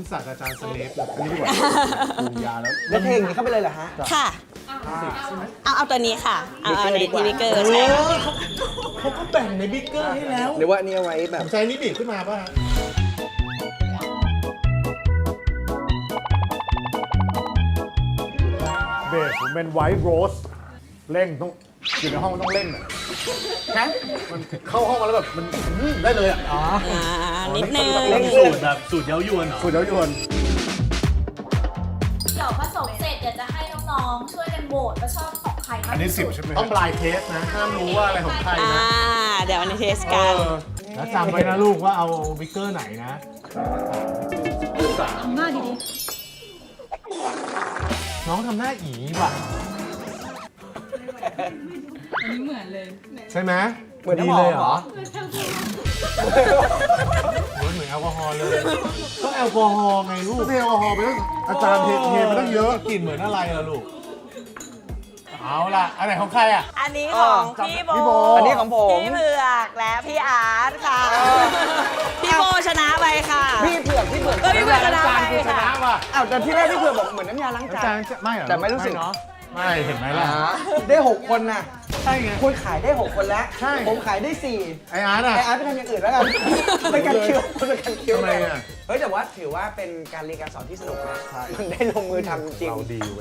ศาสตราจารย์สเลปแบบนี้ดีกว่าปรุงยาแล้วแล้วเทอย่างนี้เข้าไปเลยเหรอฮะค่ะ เอาตัวนี้ค่ะ เอาในที่บิ๊กเกอร์ใช่ค่ะเขาก็แบ่งในบิ๊กเกอร์ให้แล้วหรือว่าอันนี้เอาไว้แบผบมใช้นี่บีบขึ้นมาป่ะฮะเบสผมเป็นไวท์โรสเร่งต้องอยู่ในห้องต้องเร่งอะนะมันเข้าห้องมาแล้วแบบมันได้เลยอ่ะอ๋อนิดนึงสูตรแบบสูตรเย้ายวนเหรอสุดยอดยวนเดี๋ยวผสมเสร็จเดี๋ยวจะให้น้องๆช่วยกันโหวตว่าชอบของใครมากอันนี้ที่สุด 10ใช่ไหมต้องบลายเทสนะห้ามรู้ว่าอะไรของใครนะเดี๋ยววันนี้เทสกันแล้วจำไว้นะลูกว่าเอาบิ๊กเกอร์ไหนนะน้องทำหน้าอีว่ะอันนี้เหมือนเลยใช่ไหมเหมือนดีน้ำหอเลมยเหเหรรออเหมือนแอลกอฮอล์เลยก็แอลกอฮอล์ไงลูกเทแอลกอฮอล์ไปตั้งอาจารย์เทมาตั้งเยอะกลิ่นเหมือนอะไรล่ะลูกเอาล่ะอันไหนของใครอ่ะอันนี้ของพี่โบพี่โบอันนี้ของผมพี่เผือกและพี่อาร์ตค่ะ พี่โบชนะไปค่ะพี่เผือกพี่เผือกชนะอาจารไปย์กูชนะค่ะว่ะอ้าวแต่ที่แรกพี่เผือกบอกเหมือนน้ำยาล้างอาจาจารนย์ไม่เหรอแต่ไม่รู้สึกเนาะไม่เห็นไหมล่ะได้ 6 คนน่ะใช่ไงคุณขายได้ 6 คนแล้วใช่ผมขายได้ 4 ไออาร์ตอ่ะไออาร์ตไปทำอย่างอื่นแล้วกันเป็นการคิวเป็นการคิวทำไมอ่ะเฮ้ยแต่ว่าถือว่าเป็นการเรียนการสอนที่สนุกนะมันได้ลงมือทำจริงเราดี